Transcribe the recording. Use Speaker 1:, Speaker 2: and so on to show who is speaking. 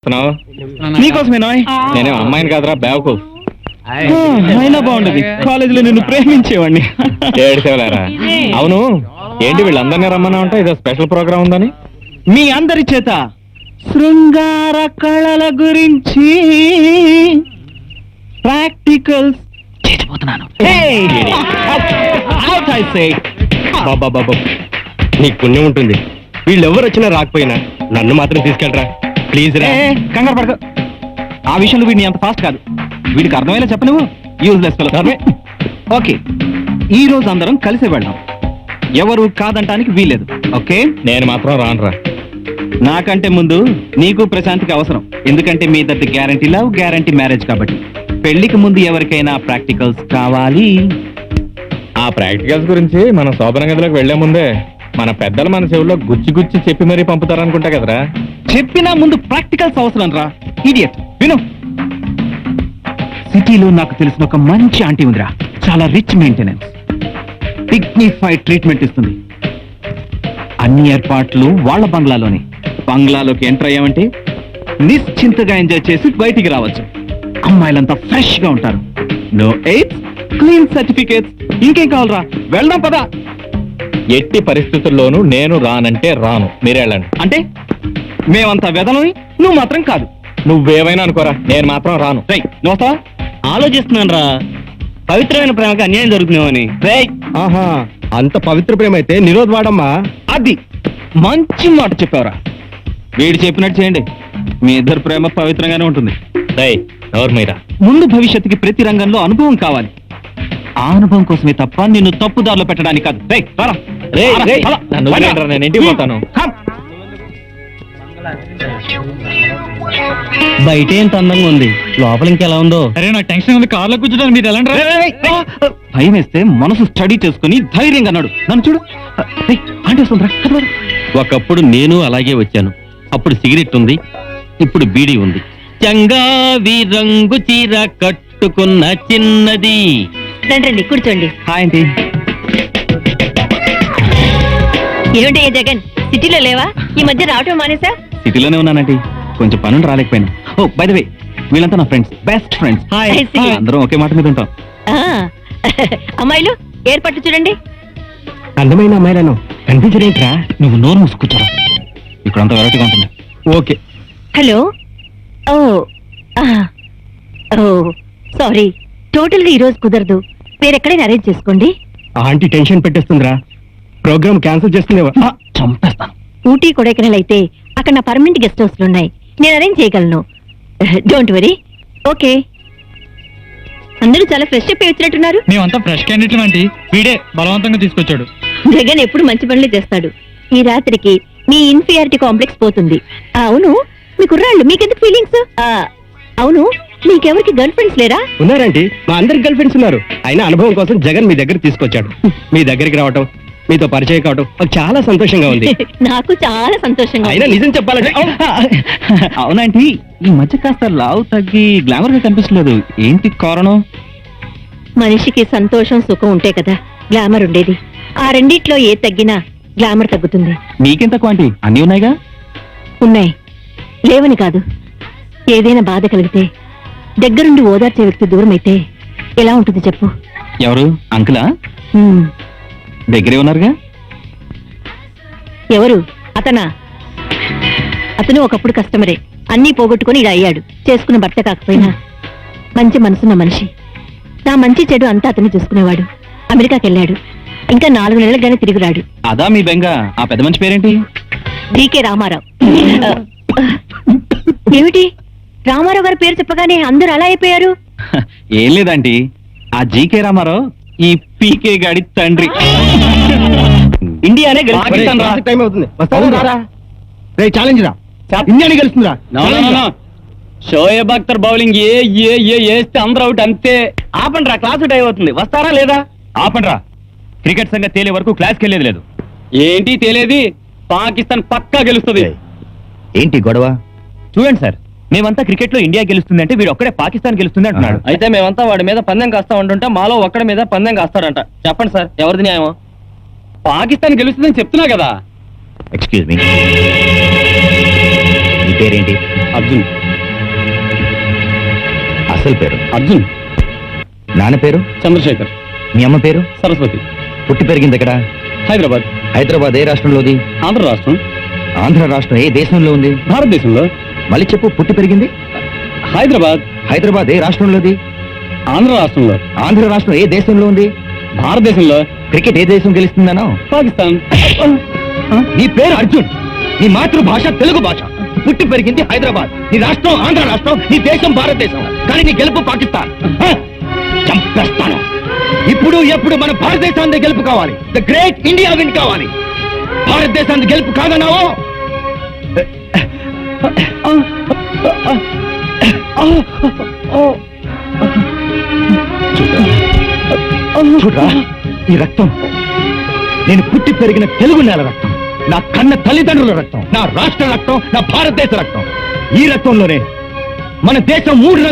Speaker 1: నీకోసమేనా? నేనే అమ్మాయిని కాదురా బ్యావకు. అయినా బాగుండదు, కాలేజీలో నిన్ను ప్రేమించేవాడిని. ఏడ్చేవలేరా? అవును, ఏంటి వీళ్ళందరినీ రమ్మన్నా ఉంటా? ఇదో స్పెషల్ ప్రోగ్రామ్ ఉందని. మీ అందరి చేత శృంగార కళల గురించి ప్రాక్టికల్స్ చేసిపోతున్నాను.
Speaker 2: నీకు పుణ్యం ఉంటుంది. వీళ్ళెవరు వచ్చినా రాకపోయినా నన్ను మాత్రం తీసుకెళ్ళరా ప్లీజ్ రా.
Speaker 1: కంగారు పడక, ఆ విషయంలో వీడిని అంత ఫాస్ట్ కాదు. వీడికి అర్థమయ్యేలా చెప్ప నువ్వు. Useless fellow. ఓకే, ఈ రోజు అందరం కలిసి వెళ్దాం. ఎవరు కాదంటానికి వీలేదు. ఓకే,
Speaker 2: నేను మాత్రం రానురా.
Speaker 1: నాకంటే ముందు నీకు ప్రశాంతికి అవసరం. ఎందుకంటే మీ ఇద్దరి గ్యారంటీ లవ్, గ్యారంటీ మ్యారేజ్ కాబట్టి. పెళ్లికి ముందు ఎవరికైనా ప్రాక్టికల్స్ కావాలి.
Speaker 2: ఆ ప్రాక్టికల్స్ గురించి మనం శోభన గదిలోకి వెళ్లే ముందే మన పెద్దలు మన చెవుల్లో గుచ్చి గుచ్చి చెప్పి మరీ పంపుతారనుకుంటా కదరా.
Speaker 1: చెప్పినా ముందు ప్రాక్టికల్స్ అవసరం రా. ఇడియట్, విను. సిటీలో నాకు తెలిసిన ఒక మంచి ఆంటీ ఉందిరా. చాలా రిచ్ మెయింటెనెన్స్, డిగ్నిఫైడ్ ట్రీట్మెంట్ ఇస్తుంది. అన్ని ఏర్పాట్లు వాళ్ళ బంగ్లాలోనే. బంగ్లాలోకి ఎంటర్ అయ్యామంటే నిశ్చింతగా ఎంజాయ్ చేసి బయటికి రావచ్చు. అమ్మాయిలంతా ఫ్రెష్ గా ఉంటారు. No AIDS, clean certificates. ఇంకేం కావాలరా? వెళ్దాం పదా.
Speaker 2: ఎట్టి పరిస్థితుల్లోనూ నేను రానంటే రాను, మీరే వెళ్ళండి.
Speaker 1: అంటే మేమంతా వెదలని, నువ్వు మాత్రం కాదు.
Speaker 2: నువ్వేమైనా అనుకోరా, నేను మాత్రం రాను.
Speaker 1: రై, నువ్వు వస్తావా?
Speaker 3: ఆలోచిస్తున్నాను రా, పవిత్రమైన ప్రేమకి అన్యాయం జరుగుతున్నామని.
Speaker 2: ఆహా, అంత పవిత్ర ప్రేమ అయితే నిరోధ్ వాడమ్మా.
Speaker 1: అది మంచి మాట చెప్పావురా. వీడు చెప్పినట్టు చేయండి, మీ ఇద్దరు ప్రేమ పవిత్రంగానే ఉంటుంది.
Speaker 2: ఎవరు మీరా?
Speaker 1: ముందు భవిష్యత్తుకి ప్రతి రంగంలో అనుభవం కావాలి. ఆ అనుభవం కోసమే తప్ప నిన్ను తప్పుదారిలో పెట్టడానికి కాదు.
Speaker 2: నన్ను వదిలేయండిరా, నేను ఇంటికి పోతాను.
Speaker 3: బయట ఎంత అందంగా ఉంది, లోపల ఇంకెలా ఉందో.
Speaker 1: అరే నాకు టెన్షన్ ఉంది, కార్లో కూర్చోడానికి మీరు ఎలా? భయం వేస్తే మనసు స్టడీ చేసుకుని ధైర్యంగా అన్నాడు. నన్ను చూడు, ఆంటీ వస్తుందిరా.
Speaker 3: ఒకప్పుడు నేను అలాగే వచ్చాను. అప్పుడు సిగరెట్ ఉంది, ఇప్పుడు బీడీ ఉంది. చంగావి రంగు చీర కట్టుకున్న చిన్నది.
Speaker 4: రండి కూర్చోండి.
Speaker 1: Hi aunty.
Speaker 4: ఏమిటయ్యా జగన్, సిటీలో లేవా? ఈ మధ్య రావటం మానేసా?
Speaker 1: సిటీలోనే ఉన్నానంటీ, కొంచెం పనులు రాలేకపోయాను. ఓ బై ద వే, వీళ్ళంతా నా friends, best friends.
Speaker 4: I see.
Speaker 1: అందరం ఒకే మాట మీద ఉంటాం.
Speaker 4: అమ్మాయిలు ఏర్పాట్లు చూడండి.
Speaker 2: అందమైన అమ్మాయిలను కనిపించలేంట్రా.
Speaker 1: నువ్వు నోరు మూసుకుంటారా, ఇక్కడంతా వెరైటీగా ఉంటుంది.
Speaker 2: Okay,
Speaker 4: hello. Oh oh sorry, total గా ఈరోజు కుదరదు. వేరెక్కడైనా అరేంజ్ చేసుకోండి.
Speaker 2: ఆంటీ టెన్షన్ పెట్టేస్తుందిరా, ప్రోగ్రామ్ క్యాన్సిల్ చేస్తుందేవా.
Speaker 1: చంపేస్తాను.
Speaker 4: ఊటీ కొడైకెనాల్ అయితే అక్కడ నా పర్మనెంట్ గెస్ట్ హౌస్లు ఉన్నాయి, నేను అరేంజ్ చేయగలను. Don't worry. ఓకే, అందరూ చాలా ఫ్రెష్ అప్ వచ్చినట్టున్నారు.
Speaker 1: మేమంతా ఫ్రెష్ క్యాండిడేట్లు అంటే వీడే బలవంతంగా తీసుకొచ్చాడు.
Speaker 4: జగన్ ఎప్పుడు మంచి పనులే చేస్తాడు. ఈ రాత్రికి మీ ఇన్ఫీరియారిటీ కాంప్లెక్స్ పోతుంది. అవును, మీ కుర్రాళ్ళు మీకెందుకు ఫీలింగ్స్? అవును, మీకెవరికి గర్ల్ ఫ్రెండ్స్ లేరా?
Speaker 2: ఉన్నారంటే మా అందరికి గర్ల్ ఫ్రెండ్స్ ఉన్నారు. అయినా అనుభవం కోసం జగన్ మీ దగ్గర తీసుకొచ్చాడు. మీ దగ్గరికి రావటం, మీతో పరిచయం కావటం నాకు చాలా సంతోషంగా ఉంది.
Speaker 4: నాకు చాలా సంతోషంగా
Speaker 2: అయినా
Speaker 4: ఉంది.
Speaker 2: నిజం చెప్పాలంటే
Speaker 1: అవునంటీ, ఈ మధ్య కాస్త లావు తగ్గి గ్లామర్ గా కనిపించలేదు. ఏంటి కారణం?
Speaker 4: మనిషికి సంతోషం సుఖం ఉంటే కదా గ్లామర్ ఉండేది. ఆ రెండిట్లో ఏ తగ్గినా గ్లామర్ తగ్గుతుంది.
Speaker 1: నీకెంత క్వాంటి అన్నీ ఉన్నాయిగా.
Speaker 4: ఉన్నాయి, లేవని కాదు. ఏదైనా బాధ కలిగితే దగ్గరుండి ఓదార్చే వ్యక్తి దూరం అయితే ఎలా ఉంటుంది చెప్పు?
Speaker 1: ఎవరు? అంకులా?
Speaker 4: హ్మ్.
Speaker 1: దగ్గరే ఉన్నారుగా.
Speaker 4: ఎవరు? అతనా? అతను ఒకప్పుడు కస్టమరే, అన్నీ పోగొట్టుకుని ఇలా అయ్యాడు. చేసుకున్న భర్త కాకపోయినా మంచి మనసున్న మనిషి. నా మంచి చెడు అంతా అతన్ని చూసుకునేవాడు. అమెరికాకి వెళ్ళాడు, ఇంకా 4 నెలలుగానే తిరిగి రాడు.
Speaker 1: అదా మీ బెంగ? ఆ పెద్ద మంచి పేరేంటి?
Speaker 4: డీకే రామారావు. ఏమిటి, రామారావు గారి పేరు చెప్పగానే అందరూ అలా అయిపోయారు?
Speaker 1: ఏం లేదంటీ, ఆ జీకే రామారావు ఈ పీకే గాడి తండ్రి.
Speaker 3: ఇండియానే
Speaker 1: పాకిస్తాన్ రా.
Speaker 2: టైం అవుతుంది. ఛాలెంజ్ రా, ఇండియాని గెలుస్తుందిరా.
Speaker 3: షోయబ్ అఖ్తర్ బౌలింగ్ వేస్తే అందరూ అవుట్ అంతే. ఆపండి రా, క్లాసు టైం అవుతుంది. వస్తారా లేదా?
Speaker 1: ఆపండ్రా, క్రికెట్ సంగతి తేలే వరకు క్లాస్కి వెళ్ళేది లేదు.
Speaker 3: ఏంటి తేలేది? పాకిస్తాన్ పక్కా గెలుస్తుంది.
Speaker 2: ఏంటి గొడవ?
Speaker 1: చూడండి సార్, మేమంతా క్రికెట్ లో ఇండియా గెలుస్తుంది అంటే వీడు ఒక్కడే పాకిస్తాన్ గెలుస్తుంది అంటున్నాడు.
Speaker 3: అయితే మేమంతా వాడి మీద పందెం కాస్తా ఉంటుంటే మాలో ఒక్కడి మీద పందెం కాస్తాడంట. చెప్పండి సార్, ఎవరిది న్యాయం? పాకిస్తాన్ గెలుస్తుందని చెప్తున్నా కదా.
Speaker 2: ఎక్స్క్యూజ్ మీ, నీ పేరేంటి? అర్జున్.
Speaker 1: అసలు పేరు
Speaker 2: అర్జున్.
Speaker 1: నాన్న పేరు
Speaker 2: చంద్రశేఖర్.
Speaker 1: మీ అమ్మ పేరు
Speaker 2: సరస్వతి.
Speaker 1: పుట్టి పెరిగింది ఎక్కడ?
Speaker 2: హైదరాబాద్.
Speaker 1: హైదరాబాద్ ఏ రాష్ట్రంలోది?
Speaker 2: ఆంధ్ర రాష్ట్రం.
Speaker 1: ఆంధ్ర రాష్ట్రం ఏ దేశంలో ఉంది?
Speaker 2: భారతదేశంలో.
Speaker 1: మళ్ళీ చెప్పు. పుట్టి పెరిగింది
Speaker 2: హైదరాబాద్.
Speaker 1: హైదరాబాద్ ఏ రాష్ట్రంలోది?
Speaker 2: ఆంధ్ర రాష్ట్రంలో.
Speaker 1: ఆంధ్ర రాష్ట్రం ఏ దేశంలో ఉంది?
Speaker 2: భారతదేశంలో.
Speaker 1: క్రికెట్ ఏ దేశం గెలుస్తుందనో?
Speaker 2: పాకిస్తాన్.
Speaker 1: నీ పేరు అర్జున్, నీ మాతృభాష తెలుగు భాష, పుట్టి పెరిగింది హైదరాబాద్, నీ రాష్ట్రం ఆంధ్ర రాష్ట్రం, నీ దేశం భారతదేశం, కానీ నీ గెలుపు పాకిస్తాన్. చంపేస్తాను. ఇప్పుడు ఎప్పుడు మన భారతదేశాన్ని గెలుపు కావాలి. ద గ్రేట్ ఇండియా విన్ కావాలి. భారతదేశాన్ని గెలుపు కాదన్నావో చూడరా, ఈ రక్తం నేను పుట్టి పెరిగిన తెలుగు నేల రక్తం, నా కన్న తల్లిదండ్రుల రక్తం, నా రాష్ట్ర రక్తం, నా భారతదేశ రక్తం. ఈ రక్తంలోనే మన దేశం 3